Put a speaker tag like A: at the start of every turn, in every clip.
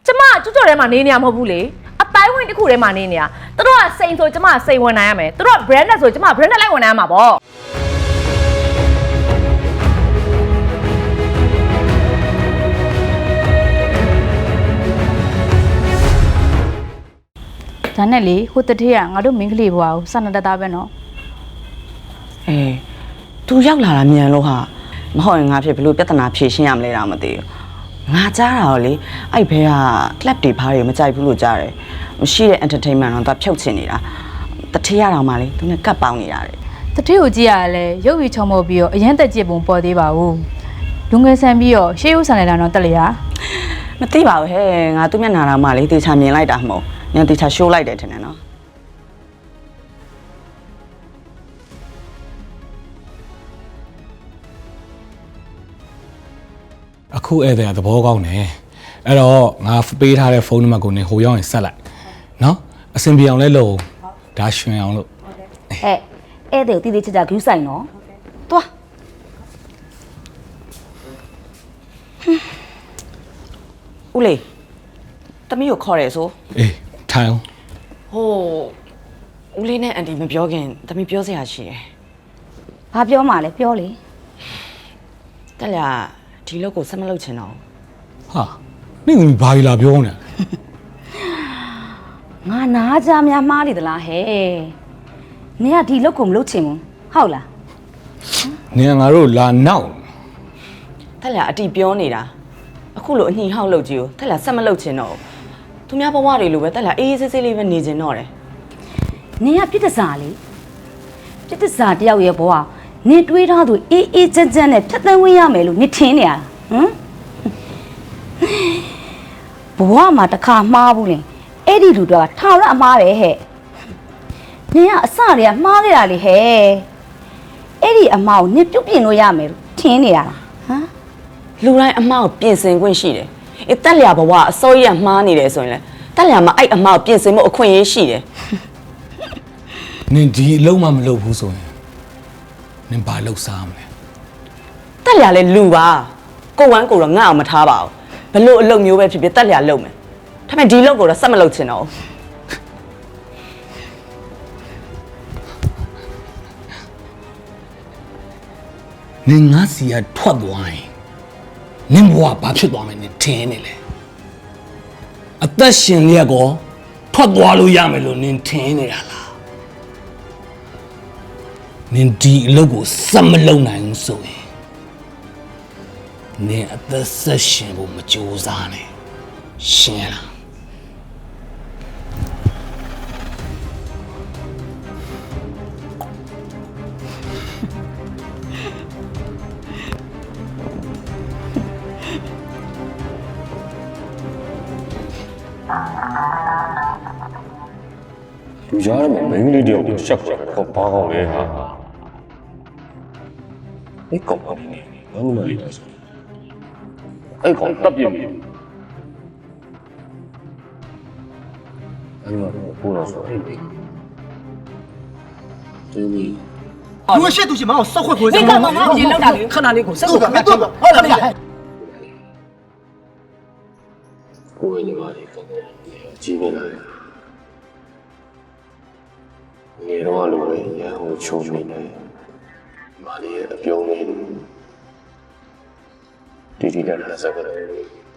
A: ကျမကျွတ်ထဲမှာနေနေရမဟုတ်ဘူးလေအတိုင်းဝင်တစ်ခုထဲမှာနေနေရသူတို့ကစိန်ဆိုကျမစိန်ဝင်နိုင်ရမယ်သူတို့က branded ဆိုကျမ branded လိုက်ဝင်နိုင်ရမှာပေါ့
B: ဒါနဲ့လေဟိုတထေးကငါတို့မင်းကလေးဘွားကိုစနတသားပဲနော်
C: သူရောက်လာတာမြန်လို့ဟာမဟုတ်ရင်ငါဖြစ်ဘလို့ပြဿနာဖြေရှင်းရမလဲတော့မသိဘူးငါကြားတာတော့လေအဲ့ဘဲက club တွေဘာတွေမကြိုက်ဘူးလို့ကြားတယ်မရှိတဲ့ entertainment တော့သူဖြုတ်ချင်နေတာတထေးရတော့မှလေသူနဲ့ကပ်ပေါင်းနေတာတဲ့
B: တထေးကိုကြည့်ရတယ်ရုပ်ရည်ချုံမောပြီးတော့အရင်တက်ကြည့်ပုံပေါ်သေးပါဘူးလူငယ်ဆန်ပြီးတော့ရှေးဦးဆန်နေတာတော့တက်လျာ
C: မသိပါဘူးဟဲ့ငါသူမျက်နှာတော်မှလေတေချာမြင်လိုက်တာမဟုတ်ညတေချာရှိုးလိုက်တယ်ထင်တယ်နော်
D: အခုဧည့်သည်ကသဘောကောင်းတယ်အဲ့တော့ငါပေးထားတဲ့ဖုန်းနံပါတ်ကိုနေဟိုရောက်ရင်ဆက်လိုက်နော်အဆင်ပြေအောင်လဲလို့ဒါရွှင်အောင်လို့
E: ဟဲ့ဧည့်သည်ကိုတီးတီးချာချာဂူးဆိုင်နော်သွား
C: ဦးလေးတမီးကိုခေါ်ရဲဆို
D: အေးထိုင်အောင်
C: ဟိုဦးလေးနဲ့အန်တီမပြောခင်တမီးပြောစရာရှိတယ်
E: ဘာပြောမှလဲပြောလေ
C: တက်လျာဒီလောက်ကိုဆက်မလုပ်ချင်တော့
D: ဟာနင့်ကဘာလာပြောနေ
E: ငါနားကြများမှားနေသလားဟဲ့နင်ကဒီလောက်ကိုမလုပ်ချင်ဘူးဟုတ်လား
D: နင်ကငါတို့လာနောက်
C: တက်လျာအတီပြောနေတာအခုလိုအညှိဟောက်လုပ်ကြီးကိုတက်လျာဆက်မလုပ်ချင်တော့သူများဘဝတွေလိုပဲတက်လျာအေးအေးဆေးဆေးလေးပဲနေချင်တော့တယ်
E: နင်ကပြစ်တစားလေပြစ်တစားတယောက်ရဲ့ဘဝနင်တွေးထားသူအေးအေးချမ်းချမ်းနဲ့ဖြတ်သန်းဝင်ရမယ်လို့နင်ထင်နေရဟမ်ဘဝမှာတစ်ခါမှားဘူးလေအဲ့ဒီလူတော့ထာဝရအမှားပဲဟဲ့နင်ကအစတွေကမှားခဲ့တာလေဟဲ့အဲ့ဒီအမှားကိုနင်ပြုတ်ပြင်လို့ရမယ်လို့ထင်နေရတာဟမ်
C: လူတိုင်းအမှားကိုပြင်ဆင်ခွင့်ရှိတယ်အေးတက်လျာဘဝအစိုးရမှားနေတယ်ဆိုရင်လေတက်လျာမှာအဲ့အမှားကိုပြင်ဆင်ဖို့အခွင့်အရေးရှိတယ်
D: နင်ဒီအလုံးမမလုပ်ဘူးဆိုရင်နင်ဘာလုပ်စားမလဲ
C: တက်လျာလဲလူပါကိုဝမ်းကိုတော့ငါ့အောင်မထားပါဘူးဘလို့အလုပ်မျိုးပဲဖြစ်ဖြစ်တက်လျာလုပ်မယ်ဒါပေမဲ့ဒီလုပ်ကိုတော့ဆက်မလုပ်ချင်တော့
D: နင်ငါစီကထွက်သွားရင်နင်ဘဝဘာဖြစ်သွားမယ်နင်ထင်နေလေအသက်ရှင်လျက်ကောထွက်သွားလို့ရမယ်လို့နင်ထင်နေတာလားနင်ဒီအလုပ်ကိုဆက်မလုပ်နိုင်ဘူးဆိုရင်နင်အသက်ဆက်ရှင်ဖို့မကြိုးစားနဲ့ရှင်းလား
F: လူကြားထဲမှာမင်းကလေးတယောက်ကိုရှက်ကြတယ်တော့ဘာကောင်းလဲဟာအဲ့ကောင်ကလည်းဘာမှမလုပ်ဘူးဆိုအဲ့ကောင်တပ်ပြင်းပြီအဲ့မှာပို့တော့ဆိုအဲ့ဒီ
G: လူရှက်သူရှင်မအောင်စောက်ခွက်ခွေးစမ်း
A: 你干嘛嘛？你老大
G: ခဏလေးကိုစောက်ခွက်ခွေးဟုတ်လားဗျာ
F: ကိုယ်ညီမလေးကတော့ကြီးနေလာတယ်နေတော့လိုပဲရဟိုချုံနေတယ်မာလီရဲ့အပြုံးလေးတီတီနဲ့ဆက်ကြတယ်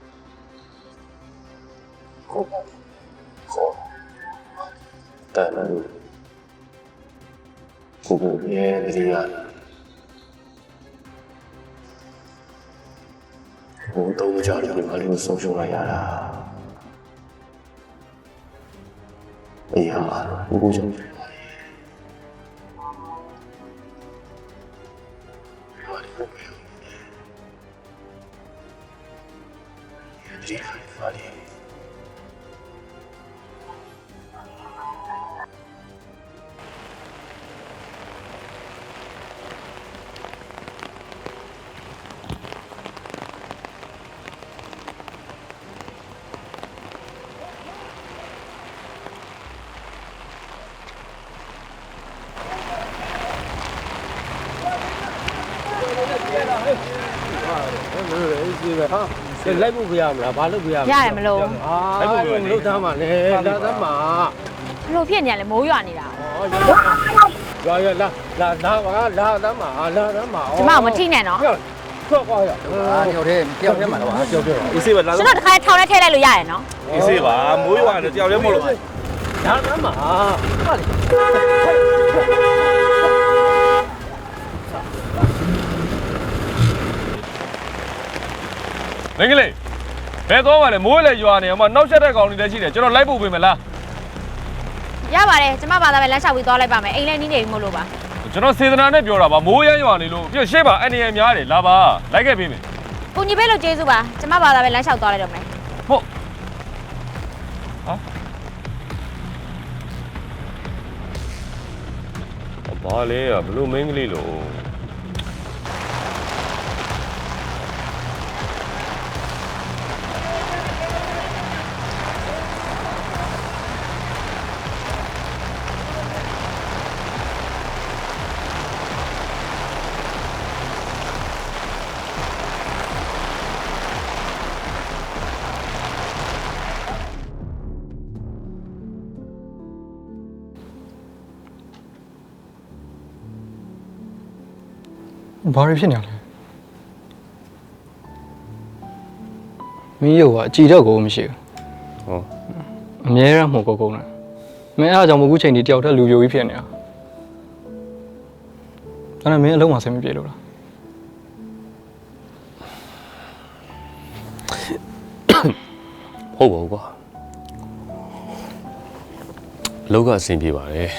F: ခေါ်တန်လို့ကိုရဲ့ဒီရဟိုတော့ကြားတယ်မာလီကိုဆုံးရှုံးလိုက်ရတာအေးဟာကိုကြောင့်
H: လိုက်ဖို့ပြရမလားဘာလို့ပြရမလဲ
B: ရတယ်မလို့
H: လိုက်ဖို့မလို့သားမလဲလာသားမ
B: ဘလို့ဖြစ်နေရလဲမိုးရွာနေတာ
H: ရွာရလာသားမလာသားမ
B: ကျမမထိနဲ့နော်
H: ထွက်သွားရ
G: တယောက်တည်းမှာတော့
H: ကြောက်တယ်
I: အေးစေးပါလာ
B: ကျွန်တော်တခါထောင်ထဲထည့်လိုက်လို့ရရနော်
I: အေးစေးပါမိုးရွာတယ်တယောက်လည်းမဟုတ်လို့
H: လာသားမဟာလေ
I: မင်္ဂလေးဘယ်သွားပါလဲမိုးလည်းရွာနေအောင်မနောက်ဆက်တဲ့ကောင်တွေလည်းရှိတယ်ကျွန်တော်လိုက်ဖို့ပြင်မလား
B: ရပါတယ်ကျမဘာသာပဲလမ်းလျှောက်ပြီးသွားလိုက်ပါမယ်အိမ်လည်းနီးနေပြီမို့လို့ပါ
I: ကျွန်တော်စေတနာနဲ့ပြောတာပါမိုးရမ်းရွာနေလို့ပြည့်ရှေ့ပါအနေရများတယ်လာပါလိုက်ခဲ့ပေးမယ်
B: ကိုညီပဲလို့ကျေးဇူးပါကျမဘာသာပဲလမ်းလျှောက်သွားလိုက်တော့မယ်
I: ဟုတ်ဟာဘာလဲဘလို့မင်္ဂလေးလို့
J: ဘာတွေဖြစ်နေလဲမင်းရောကအကြည့်တော့ကိုမရှိဘူးဟောအမြဲတမ်းမှုကုန်တာမင်းအားကြောင့်မဟုတ်ဘူးချိန်ဒီတယောက်တည်းလူပြိုကြီးဖြစ်နေတာအဲ့ဒါမင်းအလုံးမဆင်မပြေလို့လား
F: ဟုတ်ပါဘူးကွာအလုပ်ကအဆင်ပြေပါတယ်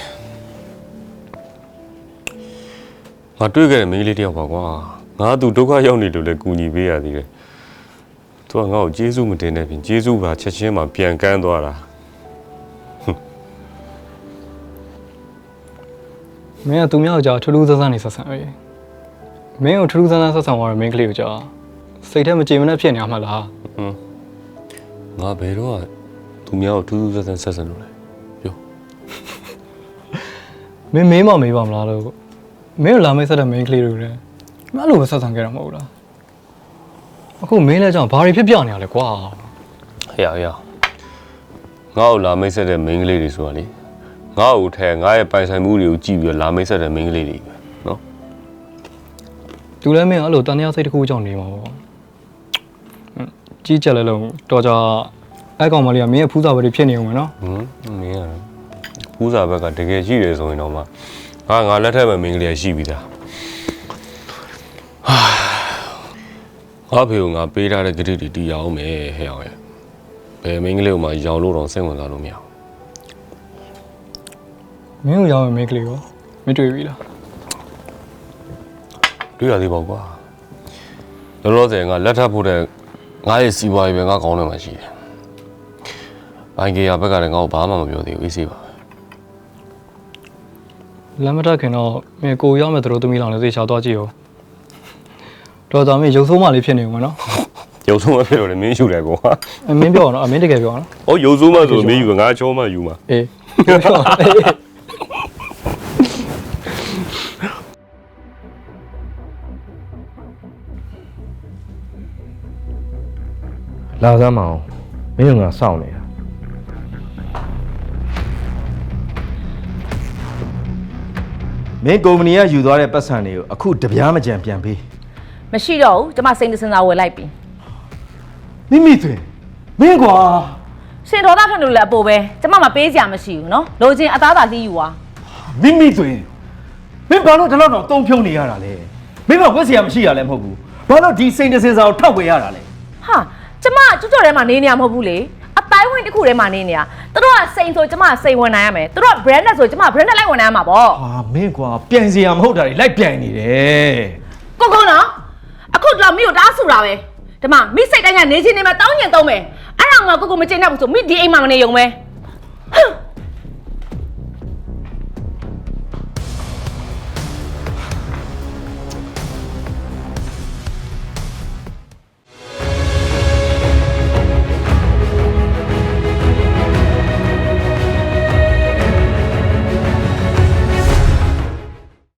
F: ငါတွေ့ခဲ့တဲ့မိန်းကလေးတယောက်ပါကွာငါသူဒုက္ခရောက်နေလို့လည်းကူညီပေးရသေးတယ်သူကငါ့ကိုကျေးဇူးမတင်တဲ့ပြင်ကျေးဇူးပါချက်ချင်းမှပြန်ကမ်းသွားတာ
J: မင်းကသူများကိုကြာထူးထူးဆန်းဆန်းနေဆက်ဆံရေးမင်းကိုထူးထူးဆန်းဆန်းဆက်ဆံသွားတဲ့မင်းကလေးကိုကြာစိတ်ထဲမကြေမနက်ဖြစ်နေမှာလား
F: ငါဘယ်တော့သူများကိုထူးထူးဆန်းဆန်းဆက်ဆံလို့လဲပြော
J: မင်းမေးမမေးပါမလားလို့မင်းကိုလာမေးဆက်တဲ့မင်းကလေးတွေလည်းမအဲ့လိုပဲဆက်ဆံခဲ့တာမဟုတ်လားအခုမင်းလည်းကြောင့်ဘာတွေဖြစ်ပြနေရလဲကွာ
F: ဟဲ့ငါ့ကိုလာမိတ်ဆက်တဲ့မိန်းကလေးတွေဆိုတာလေငါ့ကိုထဲငါရဲ့ပိုင်ဆိုင်မှုတွေကိုကြည့်ပြီးလာမိတ်ဆက်တဲ့မိန်းကလေးတွေပဲနော်
J: သူလည်းမင်းအဲ့လိုတန်တရားစိတ်တစ်ခုကြောင့်နေမှာပေါ့ကြီးကြက်လဲလုံးတော်ကြအဲ့ကောင်မလေးကမင်းရဲ့ဖူးစာပဲဖြစ်နေအောင်မယ်နော်
F: မင်းကဖူးစာဘက်ကတကယ်ရှိတယ်ဆိုရင်တော့မှငါလက်ထက်မှာမိန်းကလေးရှိပြီးသားငါဖေကိုငါပေးထားတဲ့ဂရိတွေတီးရအောင်မယ်ဟဲ့အောင်ရဲ့ဘယ်မိန်းကလေးကိုမှရောင်လို့တော့စိတ်ဝင်စားလို့မရဘူး
J: မင်းကိုရောက်ရင်မင်းကလေးကိုမတွေ့ပြီလား
F: တွေ့ရသေးပါကွာလောလောဆယ်ငါလက်ထပ်ဖို့တဲ့ငါရဲ့စီးပွားရေးပဲငါကောင်းတယ်မှရှိတယ်ဘိုင်ကေယာဘက်ကလည်းငါ့ကိုဘာမှမပြောသေးဘူးအေးစေးပါ
J: လမ်းမတက်ခင်တော့မင်းကိုရောက်မဲ့သူတို့သမီးလောင်လည်းသိချာသွားကြည့်ရောတော်တော်မင်းရုပ်ဆိုးမှလေးဖြစ်နေဦးမယ်နော်
F: ရုပ်ဆိုးမဖြစ်တော့လည်းမင်းယူတယ်ကွာ
J: မင်းပြောတော့မင်းတကယ်ပြောနော်
F: ။ဟောရုပ်ဆိုးမှဆိုမင်းယူငါချောမှယူမှာ
J: အေးပြော
K: လာစမ်းမအောင်မင်းကငါစောင့်နေတာမင်းကုမ္ပဏီကယူသွားတဲ့ပတ်စံတွေကိုအခုတပြားမကြံပြန်ပေး
A: မရှိတော့ဘူးကျမစိတ်တစင်စာဝယ်လိုက်ပြီ
K: မိမိသွင်းမင်းကွာ
A: ရှင်ဒေါသထွက်လို့လည်းအပေါ်ပဲကျမမပေးစရာမရှိဘူးနော်လိုချင်အသားသာလှီးယူပါ
K: မိမိသွင်းမင်းဘာလို့ဒီလောက်တော့တုံးဖြုံနေရတာလဲမင်းကဝက်စရာမရှိရလဲမဟုတ်ဘူးဘာလို့ဒီစိန်တစင်စာကိုထောက်ဝယ်ရတာလဲ
A: ဟာကျမကျွတ်ကျော်ထဲမှာနေနေရမဟုတ်ဘူးလေအတိုင်းဝင်တစ်ခုထဲမှာနေနေရသူတို့ကစိန်ဆိုကျမစိန်ဝင်နိုင်ရမယ်သူတို့က branded ဆိုကျမ branded လိုက်ဝင်နိုင်ရမှာပေါ့
K: ဟာမင်းကွာပြန်စရာမဟုတ်တာတွေလိုက်ပြန်နေတယ်
A: ကိုကုန်းနော်အခုတော့မိကိုတားဆူတာပဲဒီမှာမိစိတ်တိုင်းကနေချင်းနေမှာတောင်းကျင်သုံးမယ်အဲ့ဒါမှကိုကိုမကျင်တတ်ဘူးဆိုမိဒီအိမ်မှာမနေရုံပဲ